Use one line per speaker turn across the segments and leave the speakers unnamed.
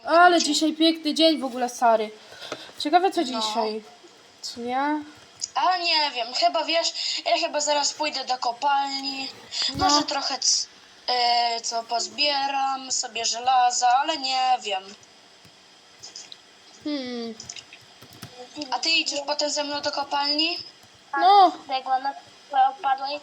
Ale dzisiaj piękny dzień w ogóle, stary. Ciekawe co dzisiaj. Co nie?
A nie wiem, chyba wiesz, ja chyba zaraz pójdę do kopalni. Może trochę co pozbieram sobie żelaza, ale nie wiem. A ty idziesz potem ze mną do kopalni?
No.
Biegła na opadłej.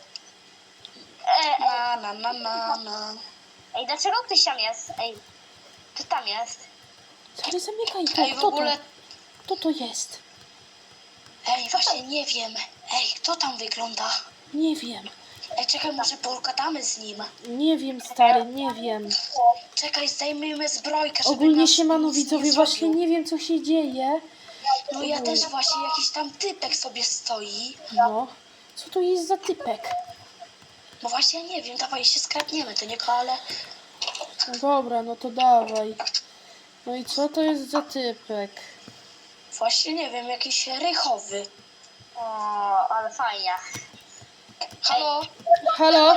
Na.
Ej, dlaczego ktoś tam jest? Ej, kto tam jest?
Stary, zamykaj to.
Ej, w ogóle...
Kto to jest?
Ej, właśnie nie wiem. Ej, kto tam wygląda?
Nie wiem.
Ej, czekaj, może pogadamy z nim.
Nie wiem, stary, nie wiem.
Czekaj, zdejmijmy zbrojkę, żeby
Ogólnie
nas
siemano
nic nie
widzowie,
zrobił.
właśnie nie wiem co się dzieje.
No ja też właśnie, jakiś tam typek sobie stoi.
No. Co to jest za typek?
No właśnie, ja nie wiem, dawaj się skradniemy do niego, ale...
No dobra, no to dawaj. No i co to jest za typek?
Właśnie nie wiem, jakiś rychowy.
O, ale fajnie.
Halo?
Halo?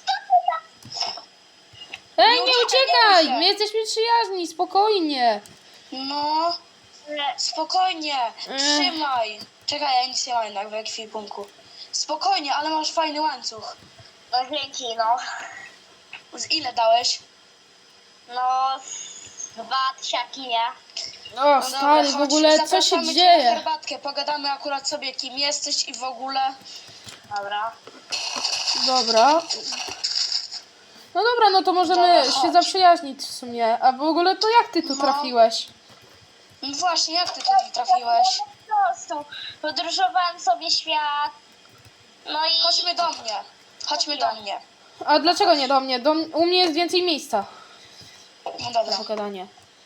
Ej,
Nie
nie
uciekaj,
uciekaj!
nie ruszaj.
My jesteśmy przyjaźni, spokojnie.
No, spokojnie, trzymaj. Czekaj, ja nic nie mam jednak w ekwipunku. Spokojnie, ale masz fajny łańcuch.
No dzięki, no.
Z ile dałeś?
No, 2 tysiaki, nie?
O,
No
stary,
dobra,
w ogóle
chodź,
co się
zapraszamy cię na
dzieje?
herbatkę, pogadamy akurat sobie kim jesteś i w ogóle.
Dobra.
Dobra. No dobra, no to możemy
Dobra,
się
chodź.
zaprzyjaźnić w sumie. A w ogóle to jak ty tu
No.
trafiłeś?
No właśnie, jak ty tutaj trafiłeś?
Po prostu podróżowałem sobie świat. No i...
Chodźmy do mnie. Chodźmy do mnie.
A dlaczego nie do mnie? U mnie jest więcej miejsca
No
na
dobra.
pogadanie.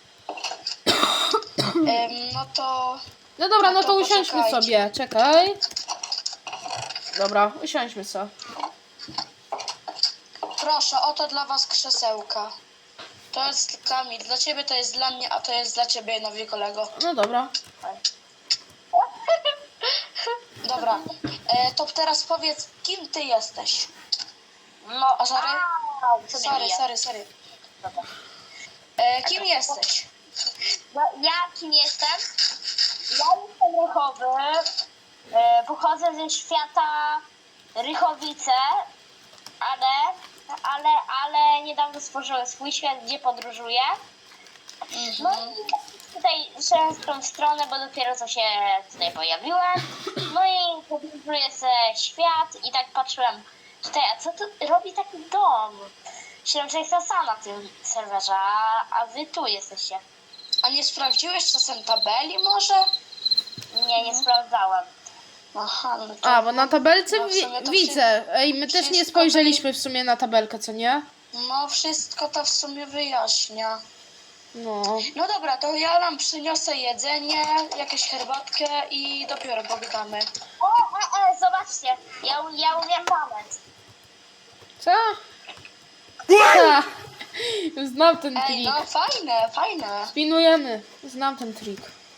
No to...
No dobra,
No
no to
to
usiądźmy
poczekajcie.
sobie. Czekaj. Dobra, usiądźmy sobie.
Proszę, oto dla was krzesełka. To jest Kamil, dla ciebie to jest dla mnie, a to jest dla ciebie, nowy kolego.
No dobra.
Dobra, to teraz powiedz, kim ty jesteś?
No,
A sorry?
Au, co mnie bije?
Sorry.
Dobra.
Kim jesteś?
Ja kim jestem? Ja jestem Rychowy. Pochodzę ze świata Rychowice, ale niedawno stworzyłem swój świat, gdzie podróżuję. No i tutaj szedłem w tą stronę, bo dopiero co się tutaj pojawiłem. No i podróżuję ze świat i tak patrzyłem tutaj, a co tu robi taki dom? Myślałem, że jestem sam na tym serwerze, a wy tu jesteście.
A nie sprawdziłeś czasem tabeli może?
Nie sprawdzałem.
Aha, no to...
A, bo na tabelce
No w sumie to
widzę. Ej, my też nie
wszystko
spojrzeliśmy w sumie na tabelkę, co nie?
No wszystko to w sumie wyjaśnia.
No.
No dobra, to ja nam przyniosę jedzenie, jakąś herbatkę i dopiero pogadamy.
Zobaczcie, ja umiem pamięć.
Co? Ha! Znam ten
Ej,
trik.
no fajne.
Spinujemy. Znam ten trik.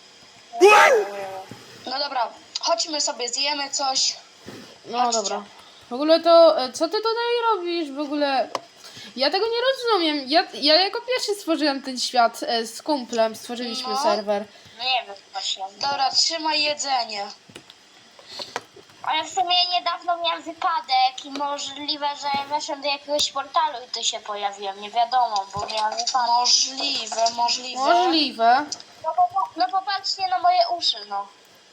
No dobra, chodźmy sobie, zjemy coś.
No
Chodźcie.
dobra. W ogóle to, co ty tutaj robisz? W ogóle, ja tego nie rozumiem. Ja jako pierwszy stworzyłem ten świat z kumplem. Stworzyliśmy
No.
serwer.
No nie wiem właśnie.
Dobra, trzymaj jedzenie.
Ale w sumie niedawno miałem wypadek i możliwe, że weszłem do jakiegoś portalu i tu się pojawiłem. Nie wiadomo, bo miałem wypadek.
Możliwe.
Możliwe.
No popatrzcie na moje uszy, no.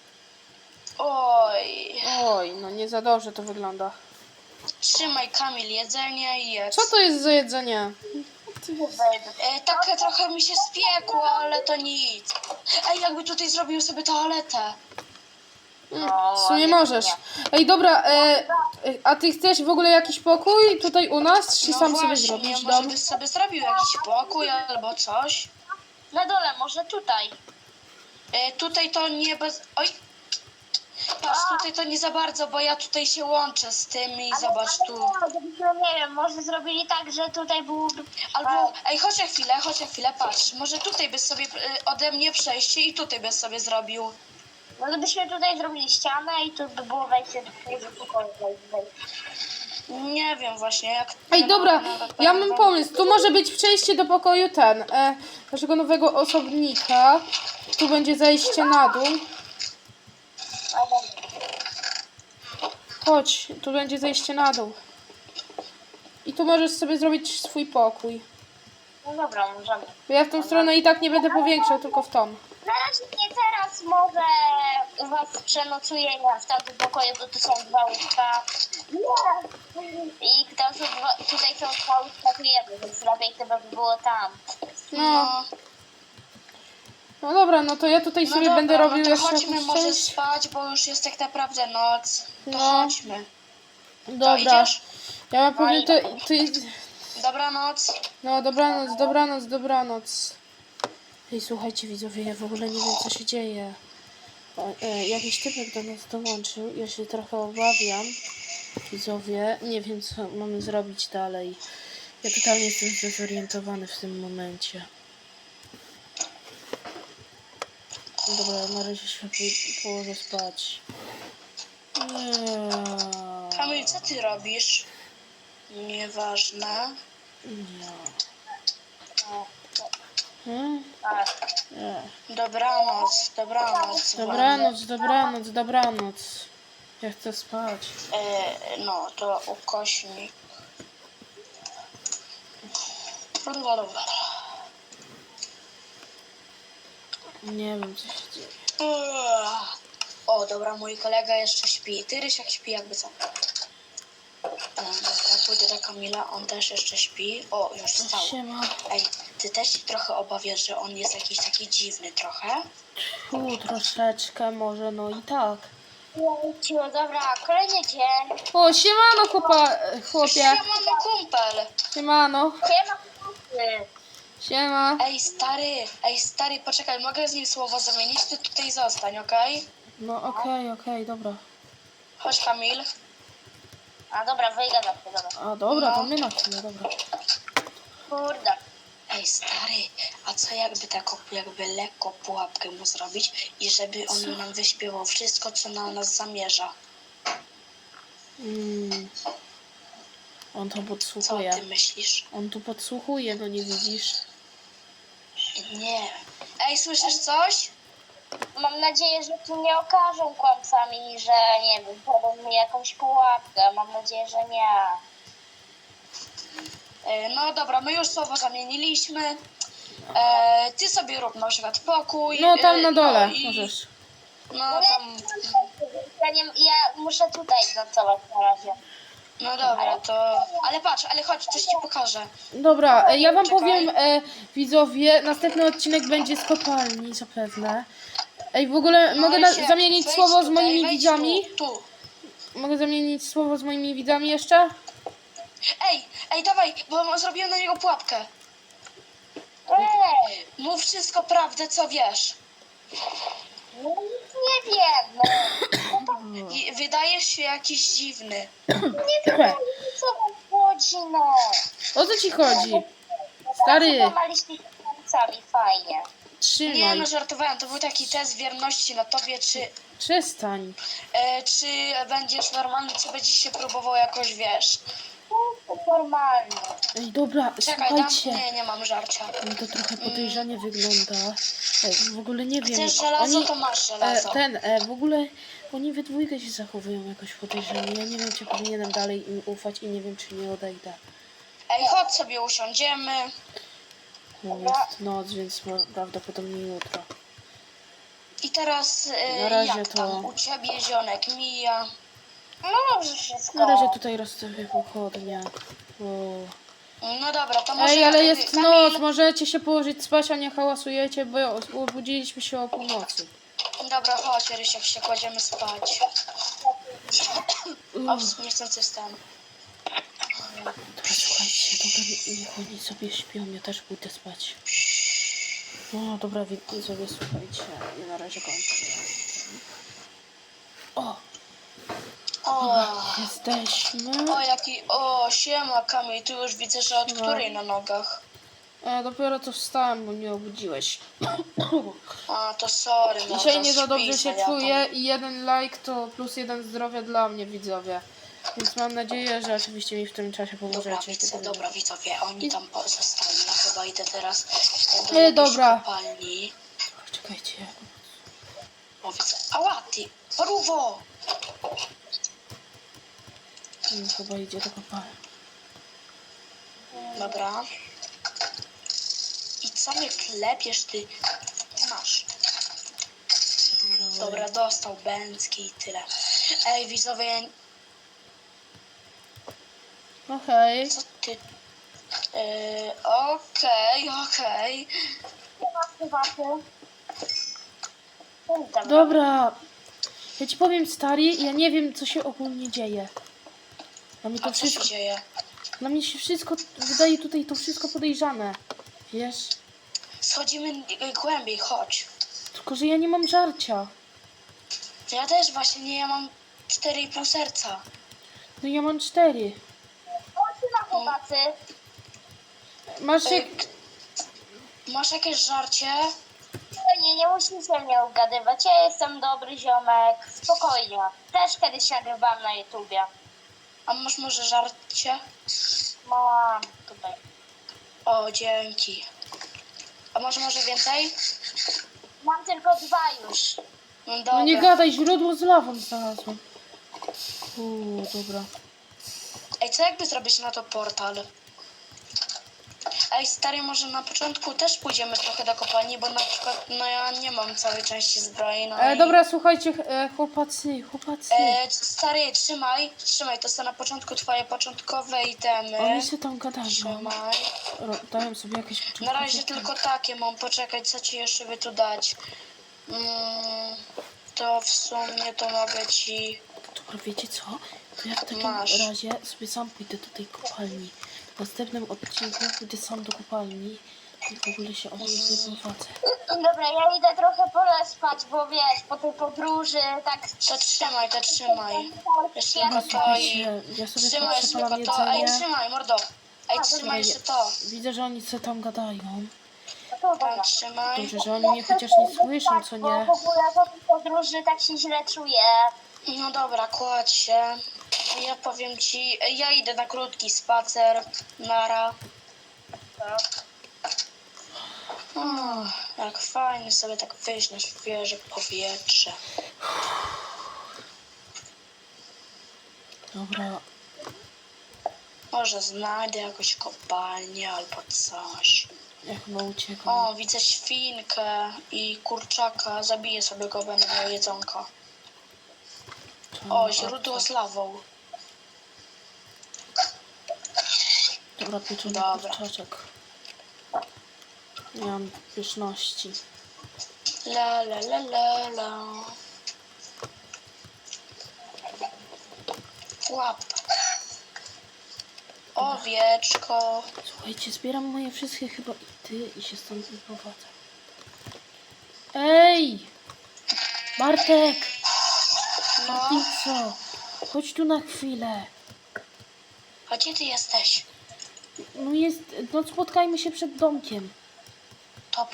Oj,
Oj, no nie za dobrze to wygląda.
trzymaj Kamil jedzenie i jedz.
Co to jest za jedzenie?
Tak trochę mi się spiekło, ale to nic. Ej, jakby tutaj zrobił sobie toaletę.
No,
W sumie
ale
możesz.
nie.
Ej, dobra, a ty chcesz w ogóle jakiś pokój tutaj u nas? Czy
No
sam sobie
właśnie,
zrobisz
może
dom?
byś sobie zrobił jakiś pokój albo coś.
Na dole, może tutaj.
Tutaj to nie bez... Oj! Patrz, tutaj to nie za bardzo, bo ja tutaj się łączę z tym i zobacz tu.
Nie wiem, może zrobili tak, że tutaj byłoby...
Albo, ej, chodź na chwilę, patrz. Może tutaj byś sobie ode mnie przejście i tutaj byś sobie zrobił.
No gdybyśmy tutaj zrobili ścianę i tu by było wejście do twojego pokoju.
Nie wiem właśnie jak...
Ej, dobra, ja mam pomysł. Tu może być przejście do pokoju naszego nowego osobnika. Tu będzie zejście na dół. Chodź, tu będzie zejście na dół. I tu możesz sobie zrobić swój pokój.
No dobra, możemy.
Bo ja w tą stronę i tak nie będę powiększał, tylko w tą.
Na razie nie teraz, może u was przenocuję ja w tamtym pokoju, bo tu są 2 łóżka. I tam są tutaj są 2 łóżka, to jedno, więc lepiej chyba by było tam.
No. No dobra, no to ja tutaj sobie
dobra,
będę robił
no to
jeszcze
chodźmy
jakąś
może
część.
spać, bo już jest tak naprawdę noc. To
No.
chodźmy. To
Dobra.
idziesz?
Ja mam powiem, ty...
Dobranoc.
No, dobranoc, dobranoc, dobranoc. Ej, słuchajcie widzowie, ja w ogóle nie wiem co się dzieje. Jakiś typek do nas dołączył, ja się trochę obawiam. Widzowie, nie wiem co mamy zrobić dalej. Ja totalnie jestem zdezorientowany w tym momencie. Dobra, na razie się położę spać. Nie.
Kamil, co ty robisz? Nieważne.
Nie. Hmm?
Tak.
Nie.
Dobranoc, dobranoc.
Dobranoc, dobranoc, dobranoc. Ja chcę spać.
No, to ukośnik.
Nie wiem co się dzieje.
O, dobra, mój kolega jeszcze śpi. Ty, Rysiak, śpi jakby co. Dobra, pójdę do Kamila, on też jeszcze śpi. O, już wstał.
Siema.
Ej, ty też się trochę obawiasz, że on jest jakiś taki dziwny trochę?
Troszeczkę może, no i tak.
No dobra, kolejny dzień.
O, siemano chłopie.
Siemano, kumpel!
Siemano.
Siema, chłopcy.
Siema.
Ej, stary, poczekaj, mogę z nim słowo zamienić? Ty tutaj zostań, okej?
No okej, dobra.
Chodź, Kamil.
A dobra, wyjdę na chwilę, dobra.
A dobra,
No.
to my na chwilę, dobra.
Kurde.
Ej, stary, a co jakby taką, jakby lekko pułapkę mu zrobić i żeby on nam wyśpiewał wszystko, co na nas zamierza?
On to
Co
podsłuchuje.
ty myślisz?
On tu podsłuchuje, no nie widzisz?
Nie. Ej, słyszysz coś?
Mam nadzieję, że tu nie okażą kłamcami, że nie wiem, podał mi jakąś pułapkę. Mam nadzieję, że nie.
No dobra, my już słowo zamieniliśmy. Ty sobie rób na przykład pokój.
No tam na dole
no i-
możesz.
No tam.
Ja muszę tutaj nocować na razie.
No dobra, to... Ale patrz, ale chodź, coś ci pokażę.
Dobra, ja wam
Czekaj.
powiem, widzowie, następny odcinek będzie z kopalni, zapewne. Ej, w ogóle
No
mogę
i się-
zamienić
wejdź
słowo z
tutaj,
moimi
wejdź
widzami?
Tu.
Mogę zamienić słowo z moimi widzami jeszcze?
Ej, dawaj, bo zrobiłem na niego pułapkę.
Ej,
Mów wszystko prawdę, co wiesz.
no nic nie wiem. No,
I wydajesz się jakiś dziwny.
nie wiem, co wam chodzi, no.
O co ci chodzi? Stary,
Złamaliście się kłamcami, fajnie.
Nie
trzymaj.
no, żartowałem, to był taki test wierności na tobie,
Przestań.
czy będziesz normalny, czy będziesz się próbował jakoś, wiesz.
To normalnie.
Ej, dobra,
Czekaj,
słuchajcie.
nie mam żarcia.
No to trochę podejrzanie wygląda. Ej, w ogóle nie wiem.
Chcesz żelazo,
Oni,
to masz żelazo.
w ogóle oni we dwójkę się zachowują jakoś podejrzanie. Ja nie wiem, czy powinienem dalej im ufać i nie wiem, czy nie odejdę.
Ej, chodź sobie usiądziemy.
No jest noc, więc prawdopodobnie jutro.
I teraz
Na razie
jak
to-
tam u ciebie zionek mija?
No dobrze wszystko.
Na razie tutaj rozstawię pochodnie. O.
No dobra, to może...
Ej, ale jest
Kamil,
noc, możecie się położyć spać, a nie hałasujecie, bo obudziliśmy się o północy.
Dobra, chodź, Rysiek, się kładziemy spać. O, niechcący stan.
Dobra, słuchajcie, dobra, niech oni sobie śpią, ja też pójdę spać. No dobra, widzowie, słuchajcie, ja na razie kończę. O,
O,
jesteśmy.
siema Kamil, tu już widzę, że od
No.
której na nogach?
Dopiero co wstałem, bo mnie obudziłeś.
A, to sorry, no
Dzisiaj
to
nie za dobrze
śpi
się
sobie, ja
czuję i 1 like to plus 1 zdrowia dla mnie, widzowie. Więc mam nadzieję, że oczywiście mi w tym czasie pomożecie.
Dobra, widzowie, oni tam zostali. Ja chyba idę teraz do
Nie,
jakiejś
dobra.
kopalni.
Czekajcie.
O, widzę. Ała, ty! Paruwo!
Chyba idzie do kopalni.
Dobra. I co mnie klepiesz, ty? Masz. Dobra, dostał bęcki i tyle. Ej, widzowie,
Okej.
co ty... Okej.
Dobra. Ja ci powiem, stary, ja nie wiem, co się ogólnie dzieje. Dla mnie to
A co się
wszystko...
dzieje?
Dla mnie się wszystko... Wydaje tutaj to wszystko podejrzane. Wiesz?
Schodzimy głębiej, chodź.
Tylko, że ja nie mam żarcia.
Ja też właśnie nie, ja mam 4,5 serca.
No ja mam 4.
Chodźcie na chłopacy.
Masz jak...
Masz jakieś żarcie?
Nie musicie mnie ugadywać. Ja jestem dobry ziomek. Spokojnie. Też kiedyś nagrywałam na YouTubie.
A masz może żarcie?
Mam tutaj.
O, dzięki. A może więcej?
Mam tylko 2 już.
No dobra.
No nie gadaj, źródło z lawą znalazłem. Dobra.
Ej, co jakby zrobić na to portal? Ej, stary, może na początku też pójdziemy trochę do kopalni, bo na przykład, no ja nie mam całej części zbroi, no i...
Dobra, słuchajcie, chłopacy.
Stary, trzymaj, to są na początku twoje początkowe itemy.
Oni się tam gadają.
Trzymaj.
Dają sobie jakieś
Na
początkowe
razie
itemy.
tylko takie mam, poczekaj, co ci jeszcze by tu dać. To w sumie to mogę ci...
Dobra, wiecie co? To ja w takim
Masz.
razie sobie sam pójdę do tej kopalni. W następnym odcinku pójdę sam do kopalni i w ogóle się o niej nie prowadzę.
Dobra, ja idę trochę spać, bo wiesz, po tej podróży tak...
To trzymaj. Jeszcze
Ja
tylko to i...
Ja sobie
Trzymaj jeszcze
przepalam
tylko to. Ej,
jedzenie.
trzymaj, mordo. Ej,
A,
trzymaj
dobra,
jeszcze to.
Widzę, że oni co tam gadają.
Tam trzymaj.
Dobrze, że oni mnie chociaż nie słyszą, co nie?
Bo w ogóle po tej podróży tak się źle czuję.
No dobra, kładź się. Ja powiem ci, ja idę na krótki spacer. Nara. Jak fajnie sobie tak wyjść na świeże powietrze.
Dobra.
Może znajdę jakąś kopalnię albo coś.
Ja chyba uciekam.
O, widzę świnkę i kurczaka. Zabiję sobie go, będę miał jedzonko. O, źródło z lawą.
Dobra, pieczony
Dobra.
kurczaczek. Nie mam pyszności.
La la la la la. Łap. Owieczko.
Słuchajcie, zbieram moje wszystkie chyba ity i się stąd wyprowadzę. Ej! Bartek!
No,
I co? Chodź tu na chwilę.
a gdzie ty jesteś?
No spotkajmy się przed domkiem.
Dobra.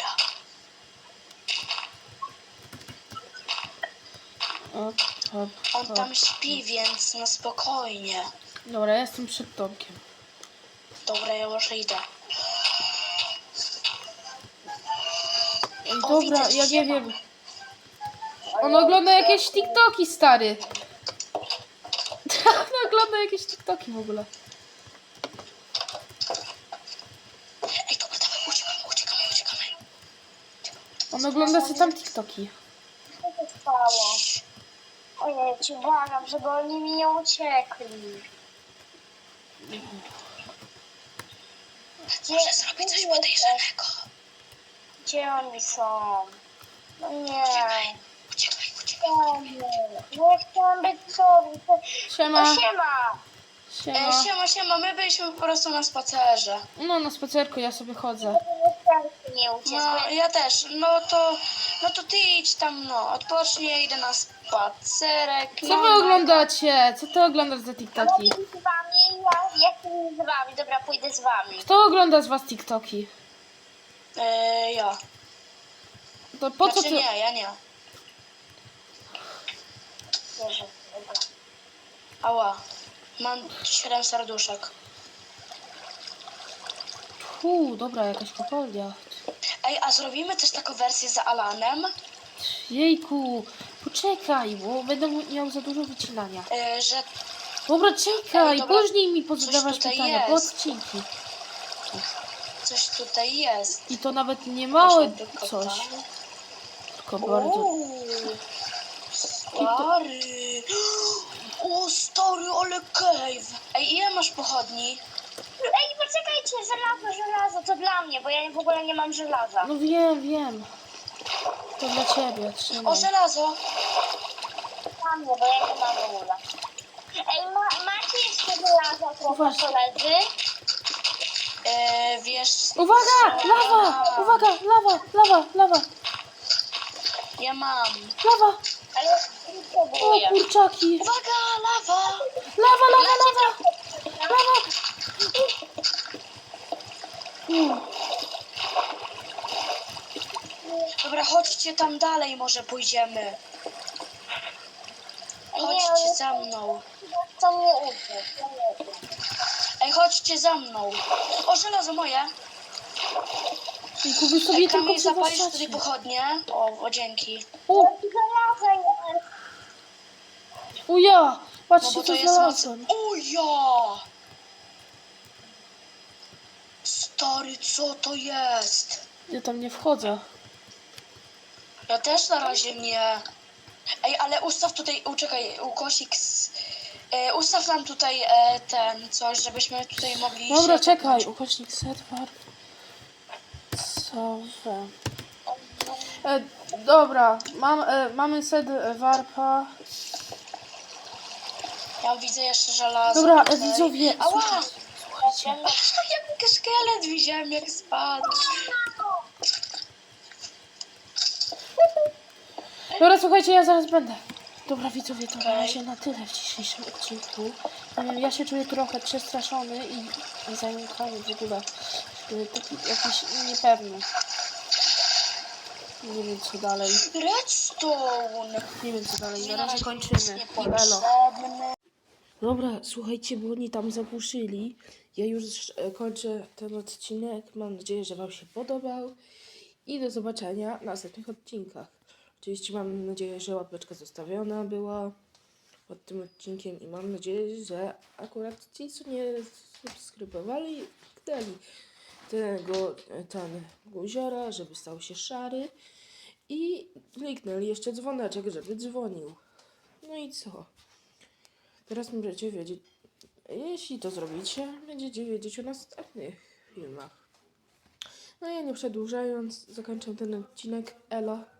On tam śpi, więc na spokojnie.
Dobra, ja jestem przed domkiem.
Dobra, ja już idę.
Ej,
O,
dobra,
widzę,
ja nie
siema.
wiem. On ogląda jakieś TikToki, stary. On ogląda jakieś TikToki w ogóle.
Ej, dobra, dawaj, uciekamy.
On ogląda sobie tam TikToki.
Co się stało? Ojej, ci błagam, żeby oni mi nie uciekli.
Może zrobić coś podejrzanego.
Gdzie oni są? No nie.
Uciekaj.
No ja chciałam być sobą.
Siema.
No siema.
Siema.
My byliśmy po prostu na spacerze.
No na spacerku ja sobie chodzę.
Nie uciekł.
No, ja też. No to ty idź tam, no. Odpocznij, ja idę na spacerek.
Co
No,
wy oglądacie? Co ty oglądasz za TikToki?
Z wami, ja chcę z wami. Dobra, pójdę z wami.
Kto ogląda z was TikToki?
Ja.
To po co
Znaczy
ty...
nie, ja nie.
Wierzę. Dobra.
Ała. Mam 7 serduszek.
Dobra, jakaś kopalnia.
Ej, a zrobimy też taką wersję z Alanem,
Jejku, poczekaj, bo będę miał za dużo wycinania.
że
Dobra, czekaj,
Ej, dobra,
później mi
coś
pozadawasz
tutaj
pytania, po
jest.
odcinki.
coś tutaj jest.
I to nawet nie małe
Poszedł do
coś,
kopalni.
tylko bardzo...
Uuu, stary. O, stary, ale cave. Ej, ile masz pochodni?
Ej, poczekajcie, żelazo, to dla mnie, bo ja w ogóle nie mam żelaza.
No wiem. To dla ciebie,
O,
trzymaj.
żelazo.
Dla mnie, bo ja nie mam w ogóle. Ej, macie jeszcze żelaza trochę,
Uważ.
koledzy?
Wiesz...
Uwaga,
co?
lawa, uwaga, lawa,
Ja mam.
lawa.
Ale ja nie
O,
próbuję.
kurczaki.
Uwaga, lawa.
Lawa.
Dobra, chodźcie tam dalej, może pójdziemy.
Nie,
Chodźcie
ale
za mną.
to mnie uczy.
Ej, chodźcie za mną. O, żelazo moje.
Jejku, wy sobie
Ej,
tylko
Kamil, zapalisz
przywracacie.
tutaj pochodnie? O, dzięki.
O,
Żelaza jest.
ja,
No
patrzcie
bo to
co
jest moc...
znalazłem.
O ja! Stary, co to jest?
Ja tam nie wchodzę.
Ja też na razie nie. Ej, ale ustaw tutaj, czekaj, ukosik. Ustaw nam tutaj ten coś, żebyśmy tutaj mogli
Dobra,
się
czekaj,
topnąć.
ukośnik serwer. Sowę. Dobra, mamy set warpa.
Ja widzę jeszcze żelazo.
Dobra,
tutaj.
widzowie,
Ała!
słuchajcie.
Jak szkielet widziałem, jak spadł.
Dobra, słuchajcie, ja zaraz będę. Dobra, widzowie, to na razie na tyle w dzisiejszym odcinku. Nie wiem, ja się czuję trochę przestraszony i zająkany w ogóle. Taki jakiś niepewny. Nie wiem co dalej.
Redstone.
Nie wiem co dalej.
Mi
Na
na
razie
razie
kończymy.
nic
I elo.
niepotrzebne.
Dobra, słuchajcie, bo oni tam zapuszyli. Ja już kończę ten odcinek. Mam nadzieję, że wam się podobał. I do zobaczenia w następnych odcinkach. Oczywiście mam nadzieję, że łapeczka zostawiona była pod tym odcinkiem. I mam nadzieję, że akurat ci, co nie subskrybowali, kliknęli ten guziora, żeby stał się szary. I kliknęli jeszcze dzwoneczek, żeby dzwonił. No i co? Teraz będziecie wiedzieć, jeśli to zrobicie, będziecie wiedzieć o następnych filmach. No ja nie przedłużając, zakończę ten odcinek. Elo.